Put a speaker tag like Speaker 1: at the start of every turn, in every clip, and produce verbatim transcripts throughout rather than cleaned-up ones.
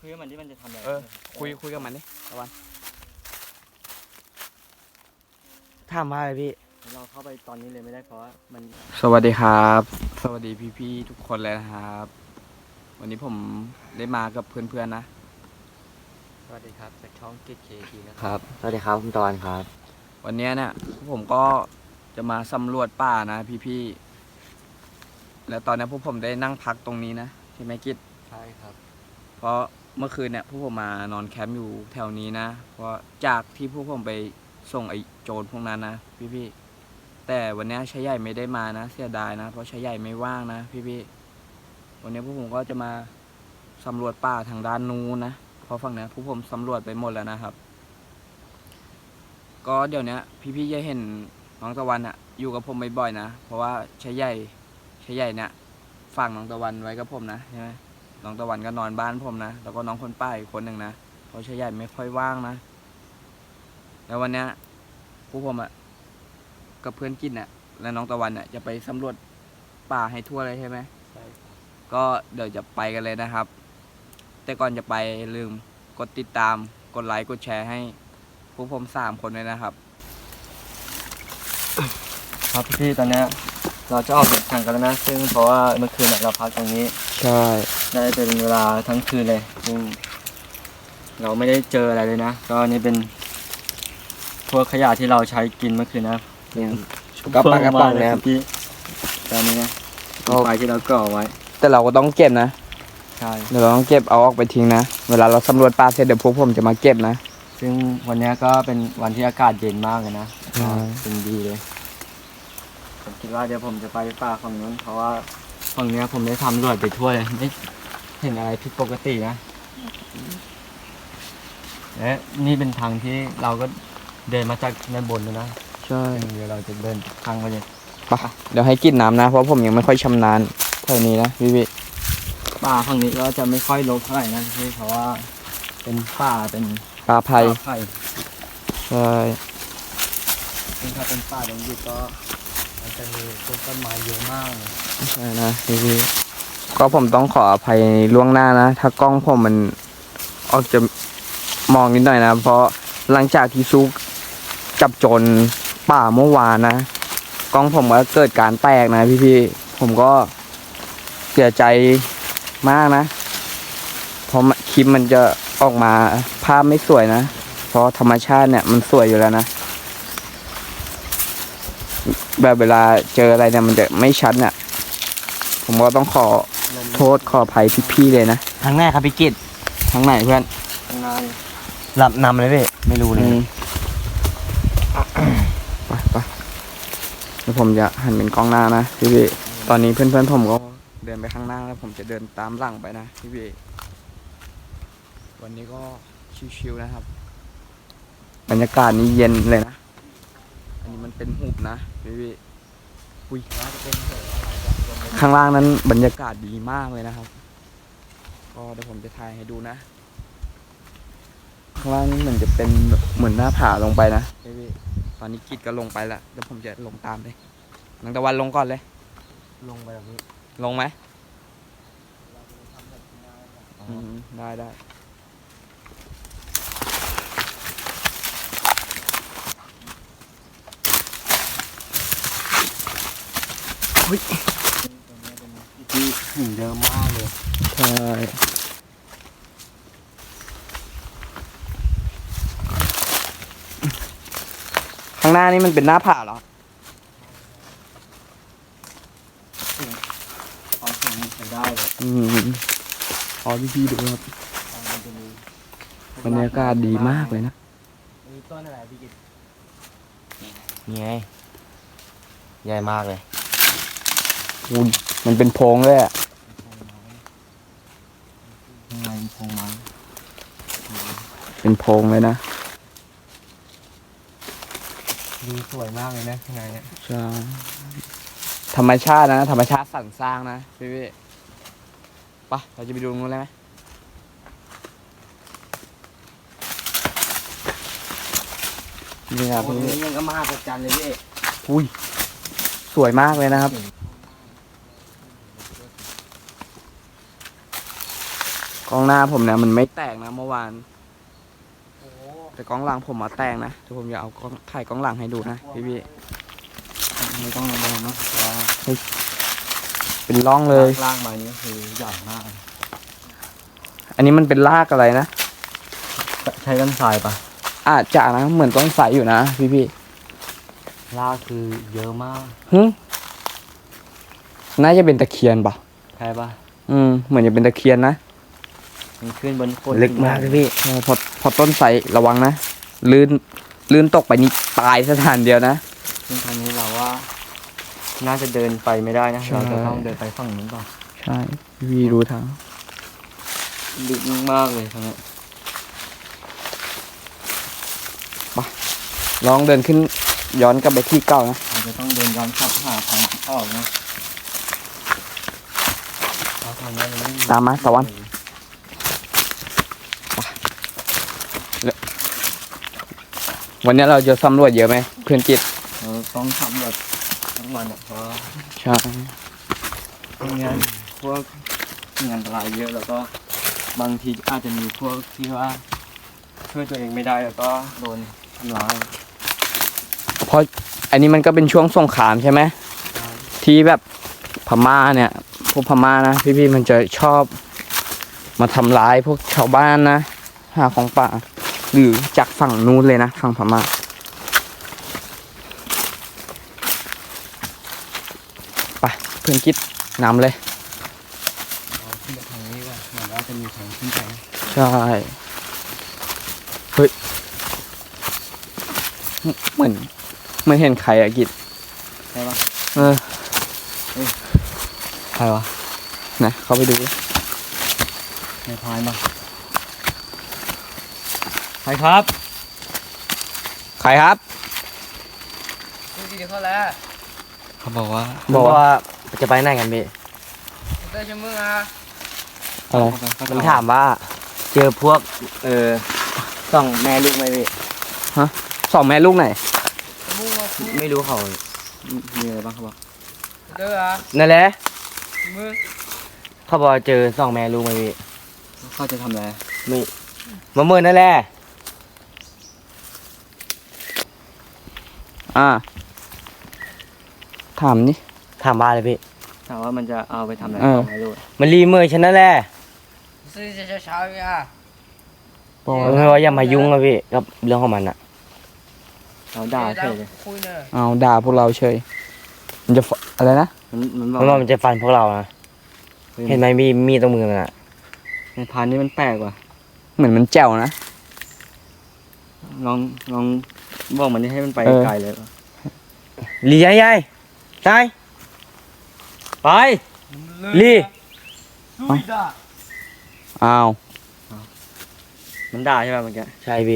Speaker 1: คุยกับมันที่มันจะทำอะไร
Speaker 2: เออคุยคุยกับมันดิตะวันถามว่าอะไรพี่
Speaker 1: เราเข้าไปตอนนี้เลยไม่ได้เพราะว่ามัน
Speaker 2: สวัสดีครับ สวัสดีพี่ๆทุกคนเลยนะครับ วันนี้ผมได้มากับเพื่อนๆนะ
Speaker 1: สวัสดีครับจากช่องกิจเคทีนะครับสวัสดีครับคุณตอนครับ
Speaker 2: วันนี้เนี่ยผมก็จะมาสำรวจป่านะพี่ๆแล้วตอนนี้พวกผมได้นั่งพักตรงนี้นะใช่ไหมกิจ
Speaker 1: ใช่ครับ
Speaker 2: เพราะเมื่อคืนเนี่ยพวกผมมานอนแคมป์อยู่แถวนี้นะเพราะจากที่พวกผมไปส่งไอ้โจรพวกนั้นนะพี่ๆแต่วันนี้ชายใหญ่ไม่ได้มานะเสียดายนะเพราะชายใหญ่ไม่ว่างนะพี่ๆวันนี้พวกผมก็จะมาสำรวจป่าทางด้านนู้นนะเพราะฝั่งนี้พวกผมสำรวจไปหมดแล้วนะครับก็เดี๋ยวนี้พี่ๆจะเห็นน้องตะวันอะอยู่กับผมบ่อยๆนะเพราะว่าชายใหญ่ชายใหญ่เนี่ยฝากน้องตะวันไว้กับผมนะใช่ไหมน้องตะวันก็นอนบ้านผมนะแล้วก็น้องคนป้าอีกคนหนึ่งนะเพราะชายใหญ่ไม่ค่อยว่างนะแล้ววันนี้พวกผมอะกับเพื่อนกินอะและน้องตะวันอะจะไปสำรวจป่าให้ทั่วเลยใช่ไหม
Speaker 1: ใช่ครับ
Speaker 2: ก็เดี๋ยวจะไปกันเลยนะครับแต่ก่อนจะไปลืมกดติดตามกดไลค์กดแชร์ให้พวกผมสามคนเลยนะครับ
Speaker 1: ครับพี่ตอนนี้เราจะออกเดินทางกันแล้วนะซึ่งเพราะว่าเมื่อคืนเราพักตรงนี้
Speaker 2: ใช่
Speaker 1: ได้เป็นเวลาทั้งคืนเลยซึ่งเราไม่ได้เจออะไรเลยนะก็นี่เป็นพวกขยะที่เราใช้กินเมื่อคืนนะ
Speaker 2: กระปังกระปังนะครับ
Speaker 1: พี่ตอนนี้นะไฟที่เราก่อไว้
Speaker 2: แต่เราก็ต้องเก็บนะ
Speaker 1: ใช่
Speaker 2: เดี๋ยวเราต้องเก็บเอาออกไปทิ้งนะเวลาเราสำรวจป่าเสร็จเดี๋ยวพวกผมจะมาเก็บนะ
Speaker 1: ซึ่งวันนี้ก็เป็นวันที่อากาศเย็นมากเลยนะเป็นดีเลยผมคิดว่าเดี๋ยวผมจะไปป่าฝั่งนู้นเพราะว่าฝั่งนี้ผมได้ทำรวจไปทั่วเลยไม่เห็นอะไรผิดปกตินะและนี่เป็นทางที่เราก็เดินมาจากในบนนะ
Speaker 2: ใช่
Speaker 1: เดี๋ยวเราจะเดินทางไปเลย
Speaker 2: ปะเดี๋ยวให้กินน้ำนะเพราะผมยังไม่ค่อยชำนาญเท่านี้นะพี่พี่
Speaker 1: ป่าฝั่งนี้ก็จะไม่ค่อยรกเท่าไหร่นะพี่เพราะว่าเป็นป่าเป็น
Speaker 2: ป่าไผ่
Speaker 1: ไผ่
Speaker 2: ใช่
Speaker 1: ซึ่งถ้าเป็นป่าดงดิบก็มันจะมีต้นไม้เยอะมากเลย
Speaker 2: ใช่นะพี่พี่ก็ผมต้องขออภัยล่วงหน้านะถ้ากล้องผมมันออกจะมองนิดหน่อยนะเพราะหลังจากที่ซุกจับโจรป่าเมื่อวานนะกล้องผมก็เกิดการแตกนะพี่พี่ผมก็เสียใจมากนะเพราะคลิปมันจะออกมาภาพไม่สวยนะเพราะธรรมชาติเนี่ยมันสวยอยู่แล้วนะแบบเวลาเจออะไรเนี่ยมันจะไม่ชัดเนี่ยผมก็ต้องขอโทษขออภัยพี่ๆเลยนะ
Speaker 1: ทางแรกครับพี่กิต
Speaker 2: ทางไหนเพื่อน
Speaker 1: ทางนั้นหลับนำเลยพี่ไม่รู้เลย
Speaker 2: ไปไปแล้วผมจะหันเป็นกล้องหน้านะพี่พี่ตอนนี้เพื่อนๆผมก็เดินไปข้างหน้าแล้วผมจะเดินตามหลังไปนะพี่พี่วันนี้ก็ชิวๆนะครับบรรยากาศนี้เย็นเลยนะอันนี้มันเป็นหุบนะพี่พี่อุ้ยข้างล่างนั้นบรรยากาศดีมากเลยนะครับก็เดี๋ยวผมจะถ่ายให้ดูนะข้างล่างนี้เหมือนจะเป็นเหมือนหน้าผาลงไปนะพี่พี่ตอนนี้กิจก็ลงไปแล้วเดี๋ยวผมจะลงตามเลยนังตะวันลงก่อนเลย
Speaker 1: ลงไปแบบนี้
Speaker 2: ลงไหมได้ได้เฮ้ย
Speaker 1: ที่หินเยอะมากเลย
Speaker 2: ใช่ข้างหน้านี่มันเป็นหน้าผาเหรอ
Speaker 1: ความสูงใช้ได้เลย
Speaker 2: อืมขอพี่พี่ดูครับบรรยากาศดีมากเลยนะ
Speaker 1: มีต้นอะไรพี่กิตนี่ไงใหญ่มากเลย
Speaker 2: อุ้ยมันเป็นโพรงเลยอ่ะ
Speaker 1: ข้างในโพรงไม้
Speaker 2: เป็นโพรงเลยนะ
Speaker 1: ดูสวยมากเลยนะข้างในเนี่ย
Speaker 2: ใช่ธรรมชาตินะธรรมชาติสรรสร้างนะพี่พี่ปะเราจะไปดูตรงนู้นเลยไหมนี่ครับพี่
Speaker 1: ยังก็มากกว่าจันเลยพี่
Speaker 2: อุ้ยสวยมากเลยนะครับกกล้องหน้าผมเนี่ยมันไม่แตกนะเมื่อวาน
Speaker 1: โอ้
Speaker 2: แต่กล้องหลังผมมาแตกนะเดี๋ยวผมจะเอากล้องถ่ายกล้องหลังให้ดูนะพี่พี่
Speaker 1: ไม่ต้องระวังนะเพราะว่า
Speaker 2: ๆเป็นร่องเลย
Speaker 1: ล่างมานี่ก็คือใหญ่มาก
Speaker 2: อันนี้มันเป็นรากอะไรนะ
Speaker 1: ใช้กันทรายปะ
Speaker 2: อาจจะนะเหมือนต้นไทรอยู่นะพี่พี่
Speaker 1: ลากคือเยอะมาก
Speaker 2: ๆหึน่าจะเป็นตะเคียนปะ
Speaker 1: ใช่ปะ
Speaker 2: อืมเหมือนจะเป็นตะเคียนนะ
Speaker 1: มันขึ้นบนโคน
Speaker 2: ลึกมากเลยพี่เออพอพอต้นไทรระวังนะลื่นลื่นตกไปนี่ตายสถานเดียวนะ
Speaker 1: ซึ่งทางนี้เราว่า น่าจะเดินไปไม่ได้นะ
Speaker 2: ใช่
Speaker 1: เราจะต้องเดินไปฝั่งนู้นต่อ
Speaker 2: ใช่พี่พี่รู้ทาง
Speaker 1: ลึกมากเลยทางนี้
Speaker 2: ลองเดินขึ้นย้อนกลับไปที่เก่านะ
Speaker 1: เราจะต้องเดินย้อนกลับหาทางออกนะเพราะทางนี้มันไม่มี
Speaker 2: ตามมาตะวัน วันนี้เราจะสำรวจเยอะไหมเพื่อนจิต
Speaker 1: เราต้องทำแบบทั้งวันอะเพราะ
Speaker 2: ใช่
Speaker 1: ไม่งั้นพวกงานอันตรายเยอะแล้วก็บางทีอาจจะมีพวกที่ว่าช่วยตัวเองไม่ได้แล้วก็โดนทำร้าย
Speaker 2: เพราะอันนี้มันก็เป็นช่วงสงครามใช่ไหมที่แบบพม่าเนี่ยพวกพม่านะพี่ๆมันจะชอบมาทำร้ายพวกชาวบ้านนะหาของป่าหรือจากฝั่งนู้นเลยนะฝั่งพม่าไปเพื่อนคิดนำเลย
Speaker 1: เราขึ้นไปทางนี้ว่าเหมือนว่าจะมีทางขึ้นไป
Speaker 2: ใช่เฮ้ยเหมือนเหมือนเห็นใครอะกิจ
Speaker 1: ใช่ปะ
Speaker 2: เออ
Speaker 1: ใครวะ
Speaker 2: นะเข้าไปดูดิ
Speaker 1: ในพายมาใครครับ
Speaker 2: ใครครับ
Speaker 3: ดูดีเขาแล้ว
Speaker 1: เขาบอกว่า
Speaker 2: บอกว่า
Speaker 1: จะไปไหนกันพี่
Speaker 3: ได้ชมึงอ่ะ
Speaker 2: อะไร
Speaker 1: มันถามว่า เจอพวกเออสองแม่ลูกไหมพี่
Speaker 2: สองแม่ลูกไหน
Speaker 3: มึงมาคุย
Speaker 1: ไม่รู้เขามีอะไรบ้างเขาบอก
Speaker 3: เด้ออ่ะ
Speaker 1: นั่นแหละ
Speaker 3: มึง
Speaker 1: เขาบอกเจอสองแม่ลูกไหมพี่เขาจะทำอะไรไม่มาเมื่อนั่นแหละ
Speaker 2: อ่าถามนี่
Speaker 1: ถามบ้าเลยพี่ถามว่ามันจะเอาไปทำอะไร
Speaker 2: เออ
Speaker 1: ไม่รู้มันรีเมย์ฉันนั่นแหละ
Speaker 3: ซื้อจะเช้าๆอ่ะ
Speaker 2: บอก
Speaker 1: เออว่าอย่ามายุ่งอะพี่กับเรื่องของมันอะเราด่าเฉยเลย
Speaker 3: คุยเนอะ
Speaker 2: เอาด่าพวกเราเฉยมันจะฟอะไรนะ
Speaker 1: มันมันบอกว่ามันจะฟันพวกเรานะเห็นไหมมีมีดตรงมือมันอะในพานนี่มันแปลกว่ะ
Speaker 2: เหมือนมันแจ๋วนะ
Speaker 1: ลองลองบอกมันนี่ให้มันไป
Speaker 2: เออ
Speaker 1: ไกลเลยลียายยายใช่ไป ลี่
Speaker 3: ลุยด่า
Speaker 2: อ้าว
Speaker 1: มันด่าใช่ป่ะเมื่อกี้ใช่พี่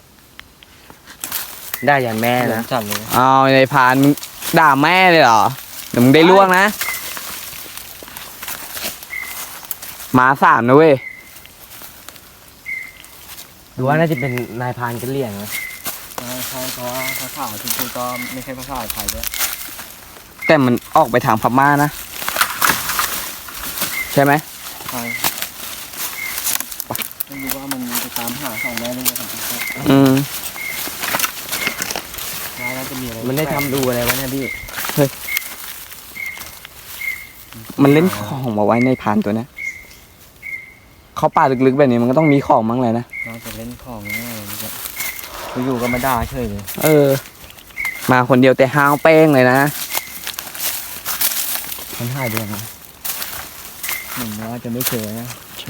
Speaker 1: ด่ายันแม่นะจัดเลย
Speaker 2: อ้าวในพานมึงด่าแม่เลยเหรอเดี๋ยวมึงได้ล่วงนะหมาสามนะเว้ย
Speaker 1: ดูว่าน่าจะเป็นนายพานกันเลี่ยงนะใช่ใช่เพราะว่าภาษาที่พูดก็ไม่ใช่ภาษาไทยด้วย
Speaker 2: แต่มันออกไปทางพม่านะใช่ไหม
Speaker 1: ใช่ไม่รู้ว่ามันจะตามหาสองแม่ลูกของเขา
Speaker 2: อืม
Speaker 1: น่าจะมีอะไรมันได้ทำดูอะไรวะเนี่ยพี่
Speaker 2: มันเล่นของมาไว้ในพานตัวเนี้ยเขาป่าลึกๆแบบนี้มันก็ต้องมีของมั้งเลยนะ
Speaker 1: น่าจะเล่นของง่ายเลยจะอยู่ๆก็มาด่าเฉยเลย
Speaker 2: เออ มาคนเดียวแต่ห้าวเป้งเลยนะ
Speaker 1: มันหายไปยังไงเหมือนว่าจะไม่เจอนะ
Speaker 2: ใช่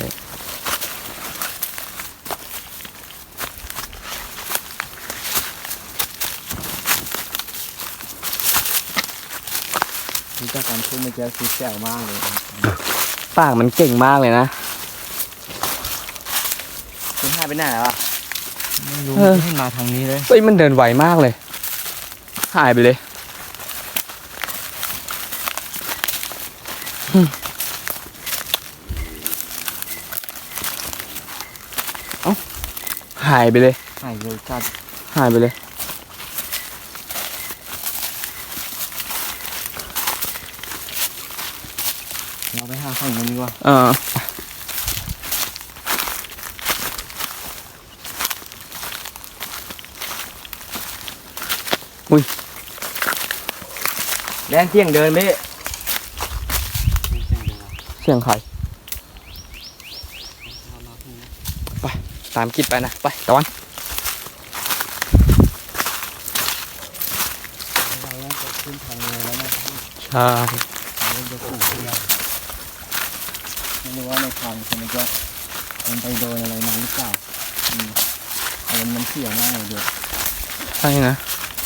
Speaker 1: รู้จักการพูดเมื่อกี้คือแจ๋วมากเลย
Speaker 2: ปากมันเก่งมากเลยนะ
Speaker 1: คุณหายไปไหนแล้วอ่ะไม่รู้
Speaker 2: เออ
Speaker 1: ไม่เห็นมาทางนี้เลย
Speaker 2: เฮ้ยมันเดินไวมากเลย หายไปเลยอืมเอ้าหายไปเลย
Speaker 1: หายเร็วจัด
Speaker 2: หายไปเลย
Speaker 1: เราไปหาฝั่งนู้นดีกว่า
Speaker 2: เอออุ้ย
Speaker 1: แรงเที่ยงเดินพี่
Speaker 2: เสียงใครไปตามกิดไปนะไปตะวันใช่
Speaker 1: ไม่รู้ว่าในทางคนมันจะมันไปโดนอะไรมาหรือเปล่าอืมอารมณ์มันเสียมากเลยเดี๋ยว
Speaker 2: ใช่นะ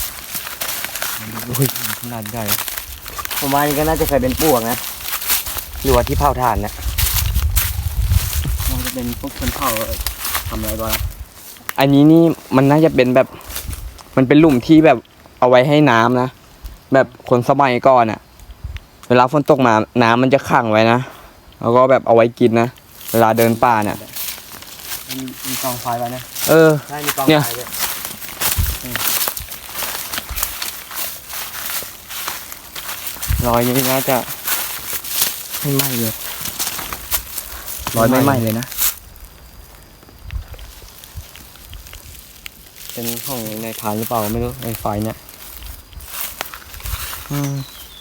Speaker 1: อุ้ยขนาดใหญ่ผมว่านี่ก็น่าจะเคยเป็นปลวกนะหรือว่าที่เผาถ่านเนี่ยน่าจะเป็นพวกคนเผาทำอะไรบ้าง
Speaker 2: อันนี้นี่มันน่าจะเป็นแบบ มันเป็นหลุมที่แบบเอาไว้ให้น้ำนะแบบคนสมัยก่อนอะเวลาฝนตกมาน้ำมันจะขังไว้นะแล้วก็แบบเอาไว้กินนะเวลาเดินป่าเนี่ย
Speaker 1: มีมีกองไฟไว้นะ
Speaker 2: เออ
Speaker 1: ใช่มีกอง
Speaker 2: เนี่ย
Speaker 1: ไฟด้วยรอยนี้น่าจะ
Speaker 2: ไม่ไหม้เลยรอยไม่ไหม้เลยนะ
Speaker 1: เป็นของในฐานหรือเปล่าไม่รู้ในไฟเนี่ย
Speaker 2: อืม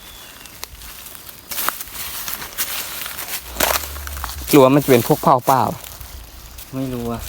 Speaker 2: หรือว่ามันจะเป็นพวกเผาเปล่า
Speaker 1: ไม่รู้อะ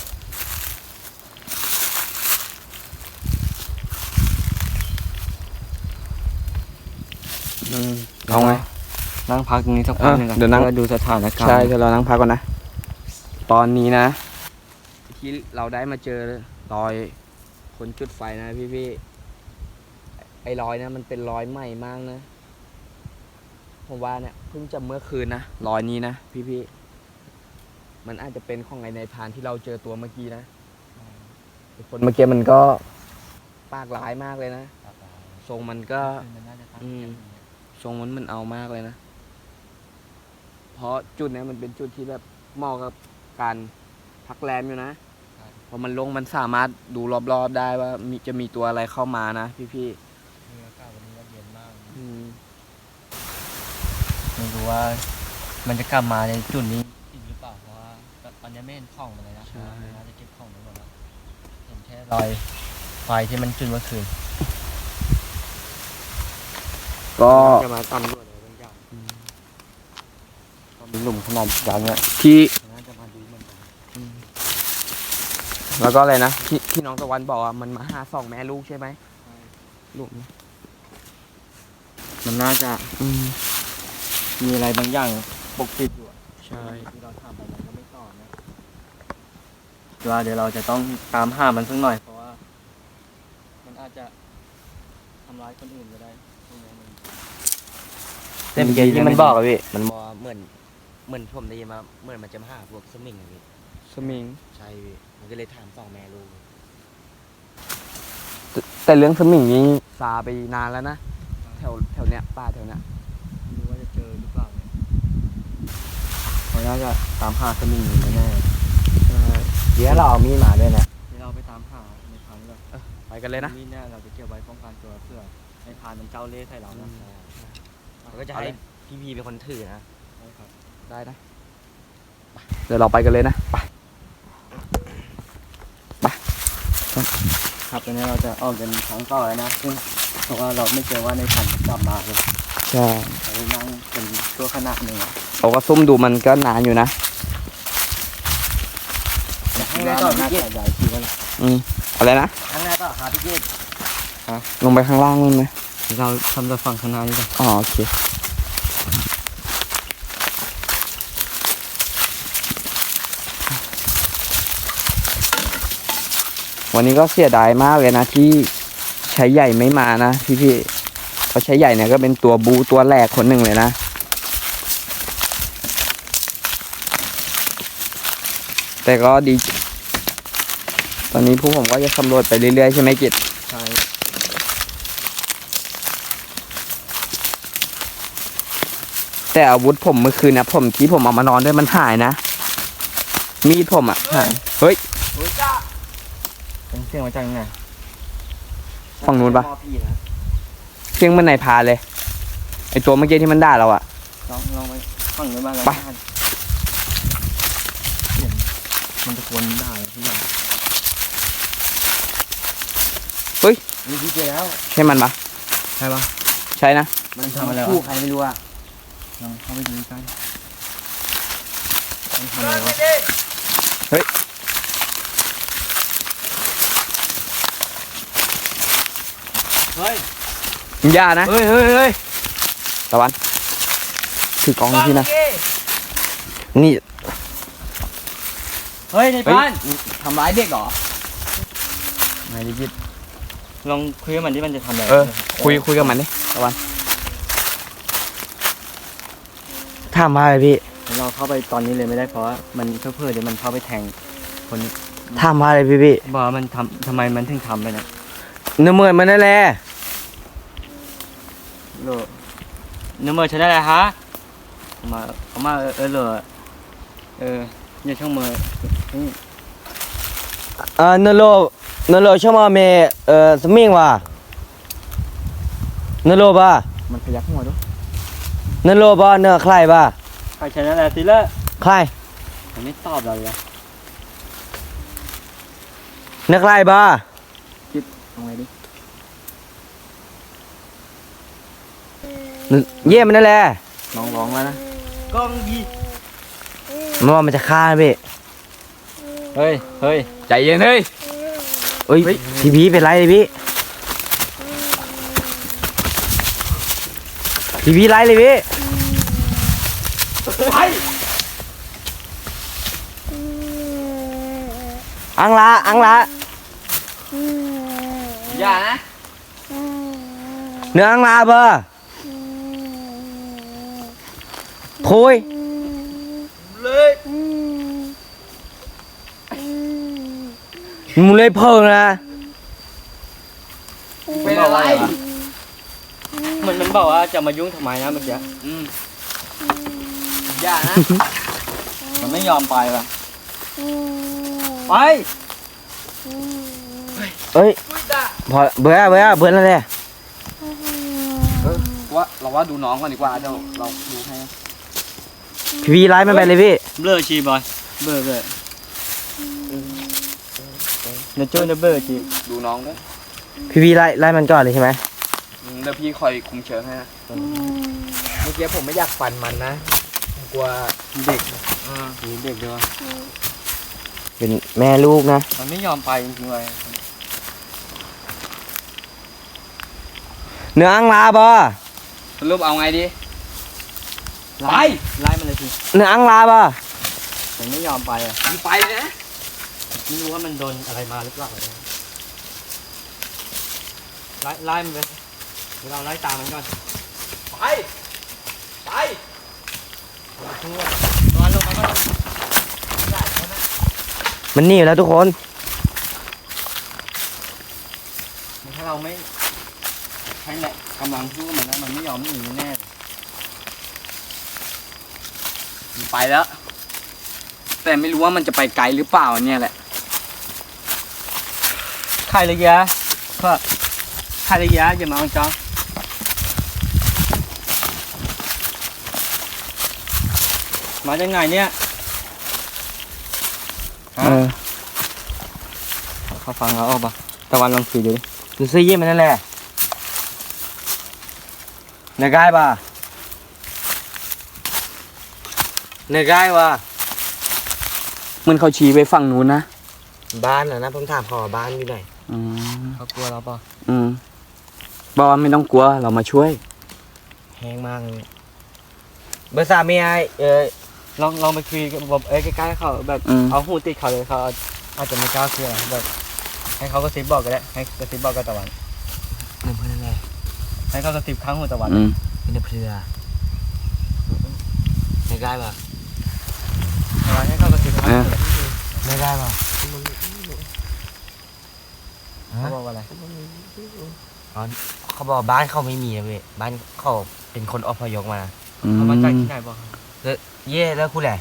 Speaker 1: อืม
Speaker 2: เอาไง
Speaker 1: นั่งพักตรงนี้สักพักหนึงก่อน
Speaker 2: เออเดี๋ยวนั่ง
Speaker 1: พื่อดูสถานการณ์
Speaker 2: ใช่เดี๋ยวเรานั่งพักก่อนนะ ตอนนี้นะ ที่เราได้มาเจอรอยคนจุดไฟนะพี่พี่ๆไอ้รอยนะมันเป็นรอยใหม่มากนะ ผมว่าเนี่ยเพิ่งจะเมื่อคืนนะรอยนี้นะพี่พี่ๆมันอาจจะเป็นของไอ้ในพรานที่เราเจอตัวเมื่อกี้นะไอ้คนเมื่อกี้มันก็ปากร้ายมากเลยนะทรงมันก็
Speaker 1: มันน่าจะตั้ง
Speaker 2: อืม
Speaker 1: ใจอย่างเงี้ย
Speaker 2: ทรงมันมันเอามากเลยนะ เพราะจุดเนี้ยมันเป็นจุดที่แบบเหมาะกับการพักแรมอยู่นะพอมันลงมันสามารถดูรอบๆได้ว่ามีจะมีตัวอะไรเข้ามานะพี่
Speaker 1: มีอากาศวันนี้ก็เย็นมาก
Speaker 2: ๆอืม
Speaker 1: ไม่รู้ว่ามันจะกลับมาในจุดนี้อีกหรือเปล่าเพราะว่าตอนนี้ไม่เห็นของมันเลยนะน่าจะเก็บของไว้หมดแล้วเห็นแค่รอยไฟที่มันจุดเมื่อคืน
Speaker 2: ก็
Speaker 1: จะมาตำรวจอะไรบางอย่างก็มีหลุมขนาดใหญ่เนี่ย
Speaker 2: ที่
Speaker 1: น่าจะมาดูเหมือนกัน
Speaker 2: แล้วก็อะไรนะที่ที่น้องตะวันบอกว่ามันมาหาสองแม่ลูกใช่ไหมลูกนี้
Speaker 1: มันน่าจะ
Speaker 2: อืม
Speaker 1: มีอะไรบางอย่างปกปิดอยู่อะ
Speaker 2: ใช่
Speaker 1: ที่เราถามไปมันก็ไม่ตอบนะว่าเดี๋ยวเราจะต้องตามหามันสักหน่อย เพราะว่า มันอาจจะทำร้ายคนอื่นก็ได้พวกนี้มัน
Speaker 4: แต่เมื่อกี้ที่มันบอกอะพี่ มันบอกว่าเหมือน เหมือนผมได้ยินมา เหมือนมันจะมาหาพวกสมิงอะพี่
Speaker 2: สมิง
Speaker 4: ใช่พี่ มันก็เลยถามสองแม่ลูก
Speaker 2: แต่แต่เรื่องสมิงนี้ซาไปนานแล้วนะแถวแถวเนี้ยป่าแถวเนี้ย
Speaker 1: ไม่รู้ว่าจะเจอหรือเปล่าเนี่ยเขาน่าจะตามหาสมิงอยู่แน่
Speaker 4: เดี๋ยวเราเอามีดมาด้วยนะ
Speaker 1: ๆเดี๋ยวเราไปตามหาในพันธุ์ก่อน
Speaker 2: ไปกันเลยนะ
Speaker 1: นี่เนี่ยเราจะเก็บไว้ป้องกันตัวเพื่อในพานมันเจ้าเล่ห์ใส่เรานะ
Speaker 4: เราก็จะให้พี่พีเป็นคนถือนะ
Speaker 1: ใช่ครับ
Speaker 2: ได้นะไปเดี๋ยวเราไปกันเลยนะไป
Speaker 1: ครับตอนนี้เราจะออกกันครั้งต่อแล้วนะซึ่งเพราะว่าเราไม่เจอว่าในพันธุ์จะกลับมาเลย
Speaker 2: ใช่
Speaker 1: เรานั่งเป็นตัวขนาดหนึ่งอะ
Speaker 2: เราก็ซุ่มดูมันก็นานอยู่นะ
Speaker 1: ข้างหน้าต่อพี่กิ๊ดใหญ่ทีแล้ว
Speaker 2: อืมอะไรนะ
Speaker 1: ข้างหน้าต่อครับพี่กิ๊ด
Speaker 2: ลงไปข้างล่างนู่นไหม
Speaker 1: เราทำแต่ฝั่งข้างหน้านี่ก่อน
Speaker 2: อ๋อโอเควันนี้ก็เสียดายมากเลยนะที่ใช้ใหญ่ไม่มานะพี่ๆเพราะใช้ใหญ่เนี่ยก็เป็นตัวบูตัวแรกคนหนึ่งเลยนะแต่ก็ดี ตอนนี้พวกผมก็จะสำรวจไปเรื่อยๆใช่ไหมกิจ
Speaker 1: ใช่
Speaker 2: แต่อาวุธผมเมื่อคืนนะผมที่ผมเอามานอนด้วยมันหายนะ มีดผมอ่ะหายเฮ้ย
Speaker 1: เป็นเสียงมาจากไหน
Speaker 2: ฝั่งนู้นปะ
Speaker 1: พ่อพี่นะ
Speaker 2: เพียงมันในพาเลย ไอตัวเมื่อกี้ที่มันด่าเราอ่ะ
Speaker 1: ลองลองไปฝั่งนู้นบ้างแล้ว
Speaker 2: ไป
Speaker 1: กันเสียงมันตะโกนด่าอะไรทุกอย่าง
Speaker 2: เฮ้ย
Speaker 4: มีพี่เจอแล้ว
Speaker 2: ใช่มันปะ
Speaker 1: ใช่ปะ
Speaker 2: ใช่นะ
Speaker 4: มันทำอะไรคู่ใครไม่รู้อ่ะ
Speaker 1: ลองเข้าไปดูกันมันทำอะไรวะ
Speaker 3: เฮ้ย
Speaker 2: อย่านะ
Speaker 1: เฮ้ยเฮ้ยเฮ้ย
Speaker 2: ตะวันถือกล้องพี่นะ
Speaker 4: นี่
Speaker 1: เฮ้ยใน
Speaker 2: เฮ้ย
Speaker 1: บ้าน
Speaker 2: ทำร้ายเด็กเหรอ
Speaker 1: ไหนดิจิตลองคุยกับมันที่มันจะทำอะไร
Speaker 2: เออ คุยคุยกับมันดิตะวัน
Speaker 4: ถามมาเลยพี่
Speaker 1: เราเข้าไปตอนนี้เลยไม่ได้เพราะว่ามันเพื่อๆเดี๋ยวมันเข้าไปแทงคนนี้
Speaker 4: ถามมาเลยพี่พี่
Speaker 1: บอกว่ามันทำทำไมมันถึงทำไปนะ
Speaker 4: เนื้อเหมือนมันนั่นแหละ
Speaker 1: โลเนื้อมือใช้ได้เลยฮะเอามาเอามาเออเออเหรอเอออย่าช่างมือนี่
Speaker 4: เออเนื้อโลเนื้อโลชอบมาเมเอ่อสมิงว่ะเนื้อโลป่ะ
Speaker 1: มันพยักหัวด้วย
Speaker 4: เนื้อโลป่ะเนื้อใครป่ะ
Speaker 1: ใครใช้ได้แล้วสิละ
Speaker 4: ใคร
Speaker 1: มันไม่ตอบเราเลยอะ
Speaker 4: เนื้อใครป่ะ
Speaker 1: เอาไงดิ
Speaker 4: เยี่ยมมันนั่นแหละ
Speaker 1: น้องร้องแล้วนะ
Speaker 3: กองยี
Speaker 4: มันว่ามันจะฆ่าพี่
Speaker 1: เฮ้ยเฮ้ย
Speaker 2: ใจเย็นเฮ้ย
Speaker 4: เอ้ย
Speaker 1: เฮ้ย
Speaker 4: พี่พี่เป็นไรเลยพี่พี่พี่ไรเลยพี่อังละอังละ
Speaker 2: อย่านะ
Speaker 4: เนื้ออังละเบอร์โคุย
Speaker 3: เลย
Speaker 4: มึงเลยเพิ่งนะ
Speaker 1: เป็นอะไรมันมันบอกว่าจะมายุ่งทำไมนะเมื่อกี้
Speaker 2: อืมอย่านะ
Speaker 1: มันไม่ยอมไปว่ะไป
Speaker 4: เอ้ยพอเบื่อเบื่อเบื่อแล้วแหละ
Speaker 2: เออว่าเราว่าดูน้องก่อนดีกว่าเดี๋ยวเราดูให้
Speaker 4: พี่พี่ไล่มันไปเลยพี่
Speaker 1: เบลอชีบอยเบลอเบลอเดี๋ยวช่วยนะเบลอชี
Speaker 2: ดูน้องด้วย
Speaker 4: พี่พี่ไล่ไล่มันก่อนเลยใช่ไหม
Speaker 2: อืมเดี๋ยวพี่คอยคุมเชิงให้นะเมื่อกี้ผมไม่อยากฟันมันนะผมกลัว
Speaker 1: เด็กอ่ามีเด็กด้วย
Speaker 4: เป็นแม่ลูกนะ
Speaker 1: มันไม่ยอมไปจริงๆเลย
Speaker 4: เนื้ออังลาบ่
Speaker 2: สรุปเอาไงดี
Speaker 1: ไล่ไล่มันเลยที
Speaker 4: เนื้ออังลาบ่
Speaker 1: มันไม่ยอมไปอ่ะ
Speaker 2: มึงไปนะ
Speaker 1: ไม่รู้ว่ามันโดนอะไรมาหรือเปล่าเนี่ยไล่ไล่มันไปเดี๋ยวเราไล่ตามมันก่อน
Speaker 2: ไปไป
Speaker 1: ทั่วตอนลงมาก็
Speaker 4: มันหนีแล้วทุกคน
Speaker 1: ถ้าเราไม่ใช้แหละกำลังสู้มันนะมันไม่ยอมหนีแน่เลย
Speaker 2: มึงไปแล้ว แต่ไม่รู้ว่ามันจะไปไกลหรือเปล่าเนี่ยแหละ
Speaker 1: ใครเลยยะเพื่อใครเลยยะอย่ามาเอาจ้ามาจากไหนเนี่ย
Speaker 4: เออ
Speaker 1: เขาฟังเราออกปะตะวันลองคุยดูดิ
Speaker 4: ดูซื้อเยี่ยมมันนั่นแหละเนื้อกายบ่เนื้อกายบ่
Speaker 2: มันเขาชี้ไปฝั่งนู้นนะ
Speaker 4: บ้านเหรอนะผมถามขอบ้านอยู่ไหน
Speaker 2: อืม
Speaker 1: เขากลัวเราปะ
Speaker 2: อืมบอกว่าไม่ต้องกลัวเรามาช่วย
Speaker 4: แห้งมากเลยเบอร์สามมีไอเออ
Speaker 1: ลองลองไปคุยกับแบบเอ้ยใกล้ๆเขาแบบ
Speaker 2: อืม
Speaker 1: เอาหูติดเขาเลยเขาอาจจะไม่กล้าคุยอะแบบให้เขากระซิบบอกก็ได้ให้กระซิบบอกกับตะวัน
Speaker 4: เนื้อเพื่อนนั่นแหละ
Speaker 1: ให้เขากระซิบข้างหูตะวัน
Speaker 2: อืม
Speaker 4: เนื้อเพื่อเนื้อกายบ่
Speaker 1: ตะวันให้เขากระซิบข้างหู
Speaker 4: เนื้อกายบ่
Speaker 1: เขาบอกว่าอะไร
Speaker 4: เขาบอกบ้านเขาไม่มีนะเว้ยบ้านเขาเป็นคนอพยพมา
Speaker 2: อืม
Speaker 1: เขามาจากที่ไหนบอกครับ
Speaker 4: เย่แล้วคุณแหละ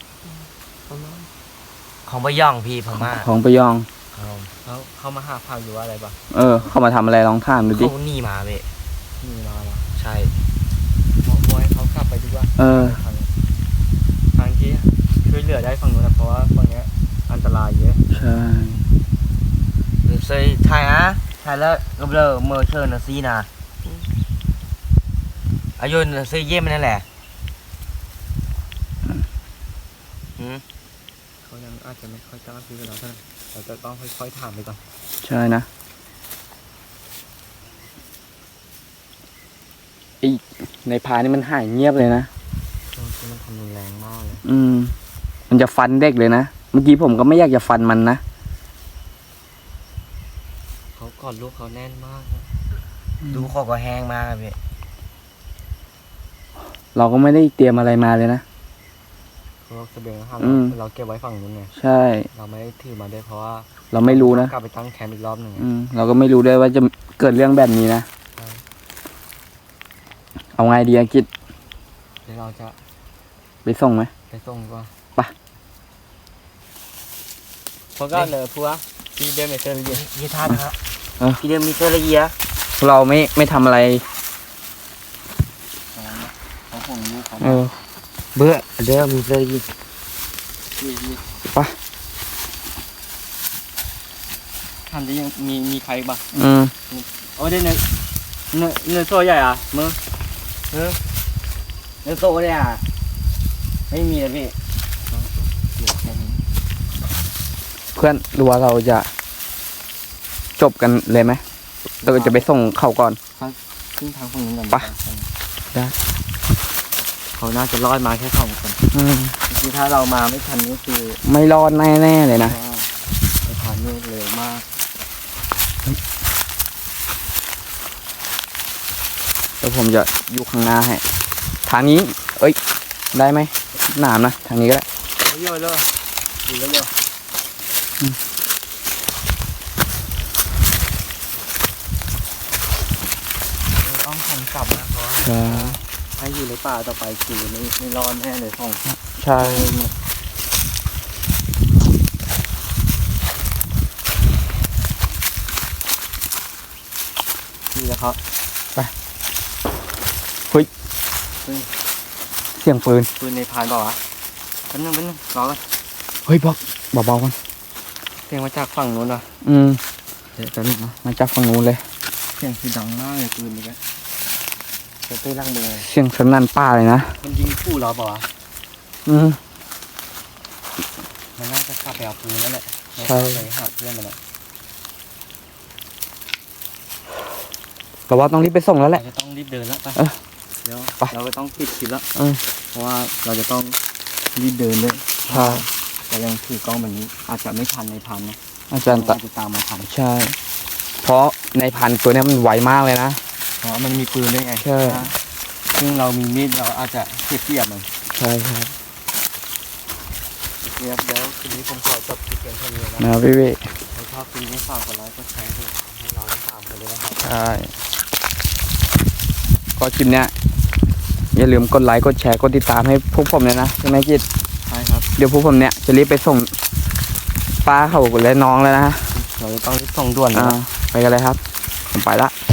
Speaker 4: ของบะย่องพี่พม่า
Speaker 2: ของไปยอง
Speaker 4: ครับ
Speaker 1: เขาเขามาหาพาวอยู่ว่าอะไรบ้าง
Speaker 2: เออ เขามาทำอะไรลองถามดูดิ
Speaker 4: เขาหนีมาเว้ย
Speaker 1: มีมาแล้ว
Speaker 4: ใช่
Speaker 1: บอกบอกให้เขากลับไปดีกว่า
Speaker 2: เออ
Speaker 1: ทางทางที่ช่วยเหลือได้ฝั่งนู้นนะเพราะว่าฝั่งเนี้ยอันตรายเยอะ
Speaker 2: ใช่
Speaker 4: หรือเซยไทยอ่ะ Hay là gặp lờ mờ chơi nó xí nà. À vô nó xí dêm này nè.
Speaker 1: เขายังอาจจะไม่ค่อยกล้าพูดกับเราเท่าไหร่เราจะต้องค่อยๆถามไปก่อน
Speaker 2: ใช่นะไอในพานี่มันหายเงียบเลยนะ
Speaker 1: ช่วงที่มันทำรุนแรงมากเลย
Speaker 2: อืม มันจะฟันเด็กเลยนะ เมื่อกี้ผมก็ไม่อยากจะฟันมันนะ
Speaker 1: เขากอดลูกเขาแน่นมาก
Speaker 4: Đu khó có hang mà vậy.
Speaker 2: เราก็ไม่ได้เตรียมอะไรมาเลยนะ
Speaker 1: เพราะว่าเสบียงอาหาร
Speaker 2: อืม
Speaker 1: เราเก็บไว้ฝั่งนู้นไง
Speaker 2: ใช่
Speaker 1: เราไม่ได้ถือมาด้วยเพราะว่า
Speaker 2: เราไม่รู้นะ
Speaker 1: กลับไปตั้งแคมป์อีกรอบหนึ่งไง
Speaker 2: อืม เราก็ไม่รู้ด้วยว่าจะเกิดเรื่องแบบนี้นะ
Speaker 1: ใช่
Speaker 2: เอาไงดีอากิจ
Speaker 1: เดี๋ยวเราจะ
Speaker 2: ไปส่งไหม
Speaker 1: ไปส่งดีกว่า
Speaker 2: ไป
Speaker 1: เพราะก็เลยพัวที่เดินไปเจอเลย
Speaker 4: Như than hả?
Speaker 2: Ờ.
Speaker 4: Khi đêm mi chơi là gì á?
Speaker 2: เราไม่ไม่ทำอะไร
Speaker 1: เขาห่วงลูกเขา
Speaker 2: เออ
Speaker 4: Bữa đêm mi chơi là gì?
Speaker 1: ทำได้ยังมีมีใครบ้าง
Speaker 2: อืม
Speaker 1: โอ้ได้เนื้อเนื้อเนื้อโซ่ใหญ่อ่ะมือ
Speaker 4: Nó tổ đây à? Mấy mi là vậy?
Speaker 1: เหลือแค่นี้
Speaker 2: เพื่อนดูว่าเราจะจบกันเลยไหมเราจะไปส่งเขาก่อน
Speaker 1: ขึ้นทางฝั่งนู้นก่อน
Speaker 2: ไป ได้
Speaker 1: เขาน่าจะรอดมาแค่สองคน
Speaker 2: อืม
Speaker 1: คือถ้าเรามาไม่ทันนี่คือ
Speaker 2: ไม่รอดแน่ๆเลยนะ
Speaker 1: ว่าไปผ่านนี่เร็วมาก
Speaker 2: เดี๋ยวผมจะอยู่ข้างหน้าให้ ทางนี้ เอ้ย ได้ไหมหนามนะ ทางนี้ก็ได้
Speaker 1: เยอะเลยดูแล้วเยอะ
Speaker 2: อืม
Speaker 1: ต้องทำกลับนะเพราะว่า
Speaker 2: ใช่
Speaker 1: ถ้าอยู่ในป่าต่อไปคือไม่ไม่รอดแน่เลยสอง
Speaker 2: ใช่
Speaker 1: ที่แล้วเขา
Speaker 2: เสียงปืน
Speaker 1: ปืนในพานบอกว่าเป็นนึงเป็นนึงรอกัน
Speaker 2: เฮ้ยบอกเบาๆกัน
Speaker 1: เสียงมาจากฝั่งนู้นว่ะ
Speaker 2: อืม
Speaker 1: เดี๋ยวจะนึงนะ
Speaker 2: มาจากฝั่งนู้นเลย
Speaker 1: เสียงคือดังมากเลยปืนนี่แกจะตื้อล่างมือ
Speaker 2: เสียงสนั่นป่าเลยนะ
Speaker 1: มันยิงคู่เราเปล่าวะ
Speaker 2: อืม
Speaker 1: มันน่าจะขับไปเอาปืนนั่นแหละ
Speaker 2: ใช่
Speaker 1: ไม่เข้าไปหาเพื่อนมันแหละ
Speaker 2: เราว่าต้องรีบไปส่งแล้วแห
Speaker 1: เรา
Speaker 2: ละ
Speaker 1: จะต้องรีบเดินแล้วไป
Speaker 2: เออ
Speaker 1: เดี๋ยว
Speaker 2: ไป
Speaker 1: เราก็ต้องปิดคลิปแล้ว
Speaker 2: เออ
Speaker 1: เพราะว่าเราจะต้องรีบเดินด้วย
Speaker 2: ใช่
Speaker 1: แต่ยังถือกล้องแบบนี้ อาจจะไม่ทันในพันนะ
Speaker 2: อาจารย์ตะ
Speaker 1: อาจจะตามมาทัน
Speaker 2: ใช่ เพราะในพันตัวเนี้ยมันไวมากเลยนะ
Speaker 1: เพราะมันมีปืนด้วยไง
Speaker 2: ใช่
Speaker 1: ซึ่งเรามีมีดเราอาจจะเสียเปรียบมัน
Speaker 2: ใช่ครับ
Speaker 1: เดี๋ยวเดี๋ยวคืนนี้ผมขอจบคลิปเพียงเท่านี้นะ
Speaker 2: นะพี่เว
Speaker 1: ถ้าชอบคลิปนี้ฝากกดไลค์กดแชร์ด้วยให้เราทั้งสามคนเลยนะครับ
Speaker 2: ใช่ ก็คลิปเนี้ยอย่าลืมกดไลค์กดแชร์กดติดตามให้พวกผมเลยนะใช่ไหมกิจ
Speaker 1: ใช่ครับ
Speaker 2: เดี๋ยวพวกผมเนี้ยจะรีบไปส่งป้าเขาและน้องแล้วนะ
Speaker 1: เราจะต้องรีบส่งด่วนนะ
Speaker 2: อ่าไปกันเลยครับ ผมไปละ